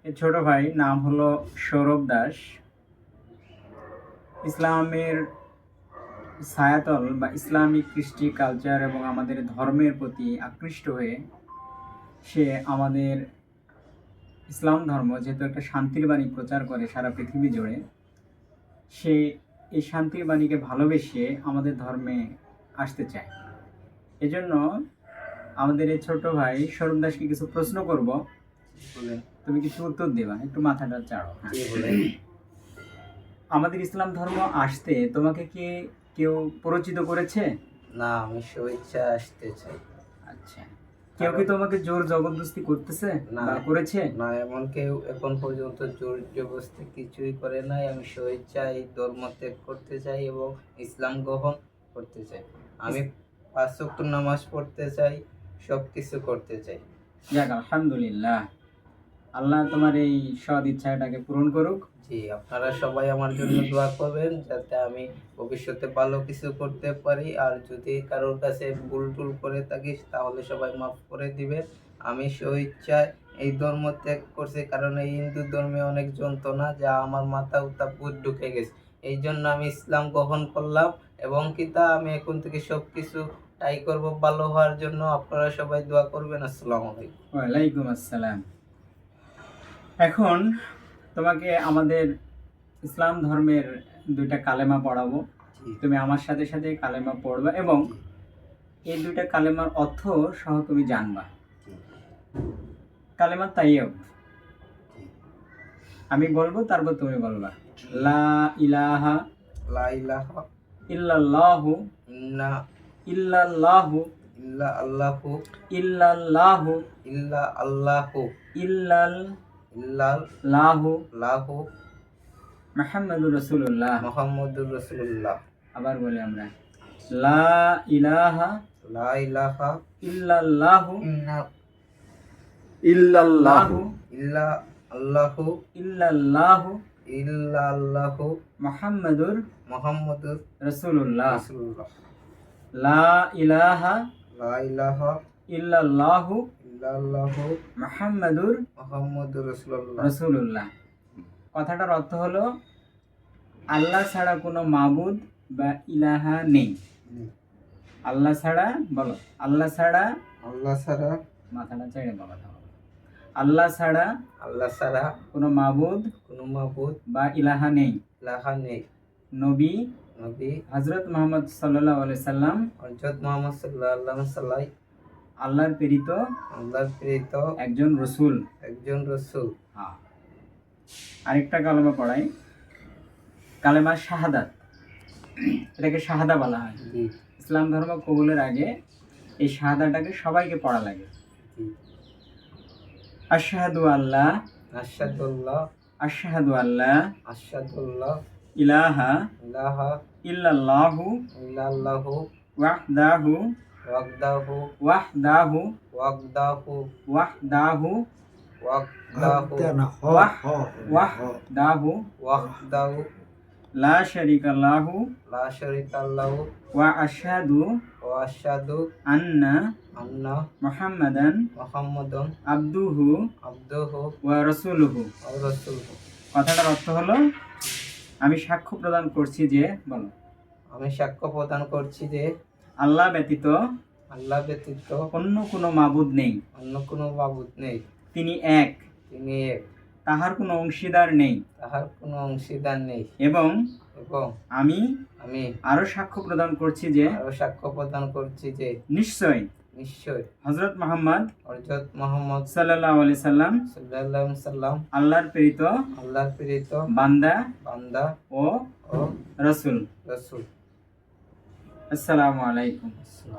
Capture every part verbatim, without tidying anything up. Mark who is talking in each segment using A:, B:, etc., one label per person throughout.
A: এর ছোট ভাই নাম হলো সৌরভ দাস। ইসলামের ছায়াতল বা ইসলামিক কৃষ্টি কালচার এবং আমাদের ধর্মের প্রতি আকৃষ্ট হয়ে সে আমাদের ইসলাম ধর্ম যেহেতু একটা শান্তির বাণী প্রচার করে সারা পৃথিবী জুড়ে, সে এই শান্তির বাণীকে ভালোবেসে আমাদের ধর্মে আসতে চায়। এজন্য আমাদের এই ছোট ভাই সৌরভ দাসকে কিছু প্রশ্ন করব, তুমি কিছু উত্তর দেবা, একটু মাথাটা চাড়ো। আমাদের ইসলাম ধর্ম আসতে তোমাকে কি কেউ পরিচিত করেছে?
B: না, আমি স্বেচ্ছা আসতে চাই।
A: আচ্ছা, কেউ কি তোমাকে জোর জবরদস্তি করতেছে
B: না
A: বা করেছে?
B: না, এমন কেউ এখন পর্যন্ত জোর জবরদস্তি কিছুই করে নাই। আমি স্বেচ্ছায় এই ধর্ম ত্যাগ করতে চাই এবং ইসলাম গ্রহণ করতে চাই। আমি পাঁচ ওয়াক্ত নামাজ পড়তে চাই, সব কিছু করতে চাই।
A: যাক, আলহামদুলিল্লাহ, আল্লাহ তোমার এই সৎ ইচ্ছাটাকে পূরণ করুক।
B: জি, আপনারা সবাই আমার জন্য দোয়া করবেন যাতে আমি ভবিষ্যতে ভালো কিছু করতে পারি। আর যদি কারোর কাছে ভুল টুল করে থাকি তাহলে সবাই মাফ করে দিবেন। আমি স্বেচ্ছায় এই ধর্ম ত্যাগ করছি কারণ এই হিন্দু ধর্মে অনেক যন্ত্রণা যা আমার মাথা উত্তা ভূত ঢুকে গেছে। এই জন্য আমি ইসলাম গ্রহণ করলাম এবং কি তা আমি এখন থেকে সব কিছু ট্রাই করবো ভালো হওয়ার জন্য। আপনারা সবাই দোয়া করবেন। আসসালামু আলাইকুম।
A: ওয়ালাইকুম আসসালাম। এখন তোমাকে আমাদের ইসলাম ধর্মের দুইটা কালেমা পড়াবো। তুমি আমার সাথে সাথে কালেমা পড়বা এবং এই দুইটা কালেমার অর্থ সহ তুমি জানবা। কালেমা তাইয়্যব আমি বলবো, তারপর তুমি বলবা। লা ইলাহা
B: লা ইলাহা
A: ইল্লাল্লাহু
B: ইন্না
A: ইল্লাল্লাহু
B: ইল্লা আল্লাহু
A: ইল্লাল্লাহু
B: ইল্লা আল্লাহু
A: ইল্লাল
B: ইল্লাল
A: লাহু
B: লাহু
A: মুহাম্মাদুর রাসূলুল্লাহ।
B: মুহাম্মাদুর রাসূলুল্লাহ।
A: আবার বলি আমরা, লা ইলাহা
B: লা ইলাহা
A: ইল্লাল্লাহু
B: ইন্না
A: ইল্লাল্লাহু
B: ইল্লা আল্লাহু
A: ইল্লাল্লাহু
B: ইল্লা আল্লাহু
A: মুহাম্মাদুর
B: মুহাম্মাদুর
A: রাসূলুল্লাহ।
B: রাসূলুল্লাহ।
A: লা ইলাহা
B: লা ইলাহা
A: ইল্লাল্লাহু
B: ইল্লাল্লাহু
A: মুহাম্মাদুর
B: মুহাম্মাদুর রাসূলুল্লাহ।
A: রাসূলুল্লাহ। কথাটার অর্থ হলো আল্লাহ ছাড়া কোনো মাবুদ বা ইলাহা নেই। আল্লাহ ছাড়া, বলো, আল্লাহ ছাড়া,
B: আল্লাহ ছাড়া,
A: মাথাটা ছেড়ে কথা বলো, আল্লাহ ছাড়া
B: আল্লাহ ছাড়া
A: কোনো মাবুদ
B: কোনো মাবুদ
A: বা ইলাহা নেই।
B: ইলাহা নেই।
A: নবী
B: নবী
A: হযরত মুহাম্মদ সাল্লাল্লাহু আলাইহি সাল্লাম
B: হযরত মুহাম্মদ সাল্লাল্লাহু আলাইহি সাল্লাম
A: আল্লাহর প্রেরিত
B: আল্লাহর প্রেরিত
A: একজন রাসূল।
B: একজন রাসূল।
A: হ্যাঁ, আরেকটা কালেমা পড়াই, কালেমা শাহাদাত। এটাকে শাহাদা বলা হয়।
B: জি
A: ইসলাম ধর্ম কবুলের আগে এই শাহাদাটাকে সবাইকে পড়া লাগে।
B: জি
A: আশহাদু আল্লাহ
B: আশহাদুল্লাহ
A: আশহাদু আল্লাহ
B: আশহাদুল্লাহ
A: ইলাহা
B: ইলাহা
A: ইল্লাল্লাহু
B: ইল্লাল্লাহু
A: ওয়াহদাহু
B: ওয়াহদাহু
A: ওয়াহদাহু
B: ওয়াহদাহু
A: ওয়াহদাহু
B: ওয়াহদাহু
A: ওয়াহদাহু
B: ওয়াহদাহু
A: লা শারীকা লাহু
B: লা শারীকা লাহু
A: ওয়া আশহাদু
B: ওয়া আশহাদু
A: আন্না
B: আন্না
A: মুহাম্মাদান
B: মুহাম্মাদান
A: আবদুহু
B: আবদুহু
A: ওয়া রাসূলুহু।
B: ওয়া রাসূলুহু।
A: কথাটার অর্থ হলো আমি সাক্ষ্য প্রদান করছি যে, বলো,
B: আমি সাক্ষ্য প্রদান করছি যে
A: আল্লাহ ব্যতীত
B: আল্লাহ ব্যতীত
A: অন্য কোনো মাবুদ নেই।
B: অন্য কোনো মাবুদ নেই।
A: তিনি এক,
B: তিনি এক,
A: তাহার কোনো অংশীদার নেই।
B: তাহার কোনো অংশীদার নেই।
A: এবং
B: এবং
A: আমি
B: আমি
A: আরো সাক্ষ্য প্রদান করছি যে
B: আরো সাক্ষ্য প্রদান করছি যে
A: নিশ্চয়
B: নিশ্চয়
A: হযরত মুহাম্মদ
B: হযরত মুহাম্মদ
A: সাল্লাল্লাহু আলাইহি সাল্লাম
B: সাল্লাল্লাহু আলাইহি সাল্লাম
A: আল্লাহর প্রেরিত
B: আল্লাহর প্রেরিত
A: বান্দা
B: বান্দা
A: ও
B: ও
A: রাসূল।
B: রাসূল।
A: আসসালামু আলাইকুম।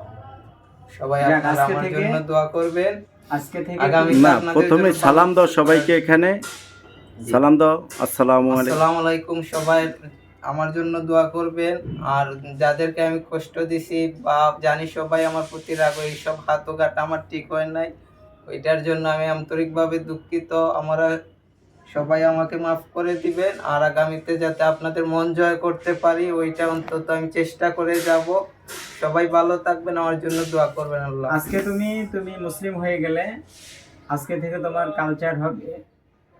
B: সবাই
A: যাক,
B: আপনারা
A: আজকে
B: আমার
A: থেকে-
B: জন্য দোয়া করবেন।
A: আজকে থেকে
B: আগামী
C: না, প্রথমে সালাম দাও সবাইকে, এখানে সালাম দাও। আসসালামু আলাইকুম।
B: আসসালামু আলাইকুম। সবাই আমার জন্য দোয়া করবেন। আর যাদেরকে আমি কষ্ট দিছি বা জানি সবাই আমার প্রতি রাগ, এইসব হাতঘাট আমার ঠিক হয় নাই, ওইটার জন্য আমি আন্তরিকভাবে দুঃখিত। আমরা সবাই আমাকে মাফ করে দিবেন। আর আগামীতে যাতে আপনাদের মন জয় করতে পারি ওইটা অন্তত আমি চেষ্টা করে যাব। সবাই ভালো থাকবেন, আমার জন্য দোয়া করবেন। আল্লাহ।
A: আজকে তুমি তুমি মুসলিম হয়ে গেলে, আজকে থেকে তোমার কালচার হবে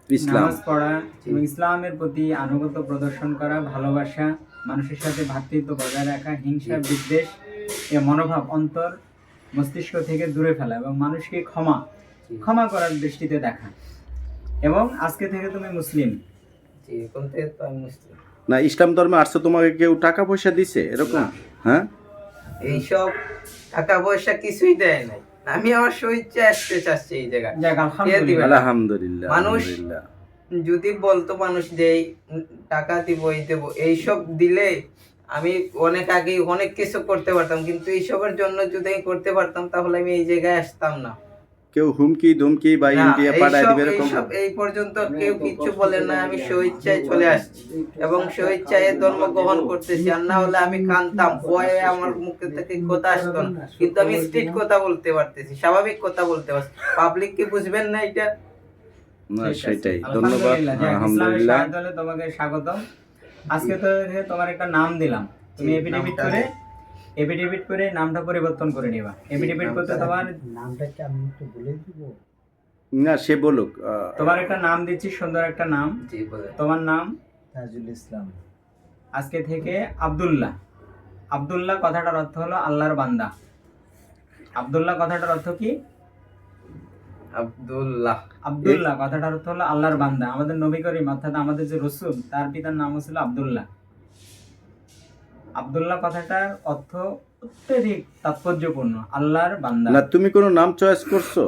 C: ইসলাম
A: নামাজ পড়া এবং ইসলামের প্রতি আনুগত্য প্রদর্শন করা, ভালোবাসা, মানুষের সাথে ভ্রাতৃত্ব বজায় রাখা, হিংসা বিদ্বেষ এ মনোভাব অন্তর মস্তিষ্ক থেকে দূরে ফেলা এবং মানুষকে ক্ষমা ক্ষমা করার দৃষ্টিতে দেখা। এবং আজকে থেকে তুমি মুসলিম।
B: জি, এখন থেকে তো আমি মুসলিম।
C: না ইসলাম ধর্মে আসছো, তোমাকে কেউ টাকা পয়সা দিছে এরকম?
B: না।
C: হ্যাঁ,
B: এইসব টাকা পয়সা কিছুই দেয় নাই, আমি আমার স্বইচ্ছা আসতে চাচ্ছি এই জায়গায়।
A: যাক, আলহামদুলিল্লাহ।
C: আলহামদুলিল্লাহ।
B: মানুষ
C: আলহামদুলিল্লাহ।
B: যদি বলতো মানুষ যে এই টাকা দিব এই দেবো, এইসব দিলে আমি অনেক আগে অনেক কিছু করতে পারতাম, কিন্তু এইসবের জন্য যদি আমি করতে পারতাম তাহলে আমি এই জায়গায় আসতাম না।
C: কেউ হুমকি ধুমকি বা
B: না,
C: ইন্ডিয়া পাঠায়
B: এইসব-
C: দিবে এরকম?
B: এইসব এই পর্যন্ত কেউ কিচ্ছু বলে না, আমি স্বইচ্ছায় চলে আসছি এবং স্বইচ্ছায় ধর্ম গ্রহণ করতেছি। আর না হলে আমি কানতাম, ভয়ে আমার মুখে থেকে কথা আসতো না, কিন্তু আমি স্ট্রিট কথা বলতে পারতেছি, স্বাভাবিক কথা বলতে পারছি। পাবলিক কি বুঝবেন না এটা?
C: না
A: ঠিক আছে।
C: সেটাই, ধন্যবাদ।
A: আলহামদুলিল্লাহ। যাক, ইসলামের
C: আলহামদুলিল্লাহ।
A: শাহাদাত হলে তোমাকে স্বাগতম। আজকে তো তোমার একটা নাম দিলাম, তুমি
B: জি,
A: এফিডেভিট
B: নামটা-
A: করে এফিডেভিট করে নামটা পরিবর্তন করে নিবা। এফিডেভিট করতে
B: নামটা-
A: তোমার
D: নামটা কি আমি একটু বলে দিব?
C: না সে বলুক। আহ,
A: তোমার একটা নাম দিচ্ছি, সুন্দর একটা নাম।
B: জি বলে।
A: তোমার নাম
D: তাজুল ইসলাম।
A: আজকে থেকে আব্দুল্লাহ। আব্দুল্লাহ কথাটার অর্থ হলো আল্লাহর বান্দা। আব্দুল্লাহ কথাটার অর্থ কি?
B: আব্দুল্লাহ।
A: আব্দুল্লাহ কথাটার অর্থ হলো আল্লাহর বান্দা। আমাদের নবী করিম অর্থাৎ আমাদের যে রসুল, তার পিতার নাম ছিল আব্দুল্লাহ। আব্দুল্লাহ কথাটার অর্থ অত্যধিক তাৎপর্যপূর্ণ, আল্লাহর বান্দা।
C: না তুমি কোনো নাম চয়েস করছো?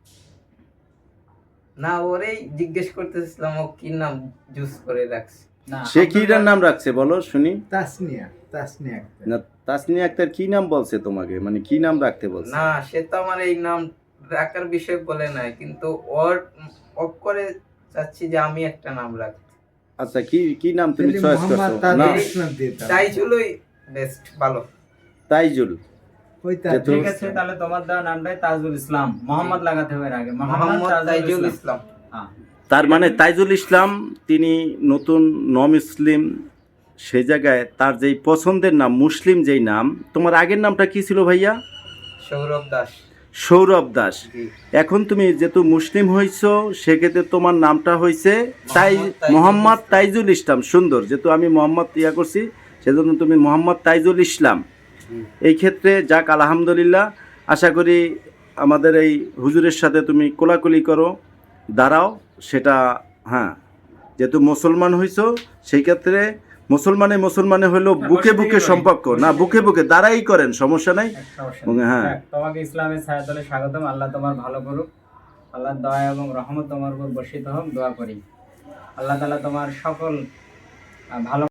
B: না, ওরেই জিজ্ঞেস করতেছিলাম ও কি নাম চুজ করে রাখছে।
A: না,
C: সে কি
A: আব্দুল্লাহ-
C: নাম রাখছে বলো শুনি।
D: তাসনিয়া, তাসনিয়া আক্তার।
C: না তাসনিয়া আক্তার কি নাম বলছে তোমাকে, মানে কি নাম রাখতে বলছে?
B: না, সে তো আমার এই নাম রাখার বিষয় বলে নাই, কিন্তু ওর অফ করে চাচ্ছি যে আমি একটা নাম রাখি।
C: আচ্ছা কি কি নাম তুমি
D: তাহলে
C: চয়েস
D: মোহাম্মদ
C: করছো? না
D: তাজুল ইসলাম দিয়ে দাও।
B: তাইজুলই বেস্ট, ভালো।
C: তাইজুল।
D: ওই
C: যে
D: তাজুল
A: ঠিক আছে,
D: ইসলাম।
A: তাহলে তোমার দেওয়া নামটাই তাজুল ইসলাম। মোহাম্মদ লাগাতে হবে এর আগে।
B: মোহাম্মদ তাইজুল
A: ইসলাম।
B: ইসলাম।
A: হ্যাঁ।
C: তার মানে তাইজুল ইসলাম তিনি নতুন নন মুসলিম, সেই জায়গায় তার যেই পছন্দের নাম মুসলিম যেই নাম। তোমার আগের নামটা কি ছিল ভাইয়া?
B: সৌরভ দাস।
C: সৌরভ দাস।
B: জি।
C: এখন তুমি যেহেতু মুসলিম হইছো সেক্ষেত্রে তোমার নামটা হইছে তাই
B: মোহাম্মদ তাইজুল
C: মোহাম্মদ
B: ইসলাম।
C: তাইজুল ইসলাম। সুন্দর, যেহেতু আমি মোহাম্মদ ইয়া করছি সেজন্য তুমি মোহাম্মদ তাইজুল ইসলাম।
B: হুম।
C: এই ক্ষেত্রে যাক আলহামদুলিল্লাহ, আশা করি আমাদের এই হুজুরের সাথে তুমি কোলাকুলি করো, দাঁড়াও সেটা। হ্যাঁ, যেহেতু মুসলমান হইছো সেই ক্ষেত্রে মুসলমানে মুসলমানে হলো বুকে বুকে সম্পর্ক, না বুকে বুকে দাঁড়াই করেন, সমস্যা নাই।
A: একটা সমস্যা নেই।
C: হ্যাঁ।
A: যাক, তোমাকে ইসলামের ছায়াতলে স্বাগতম। আল্লাহ তোমার ভালো করুক, আল্লাহর দয়া এবং রহমত তোমার উপর বর্ষিত হোক, দোয়া করি। আল্লাহ তাআলা তোমার সকল আহ, ভালো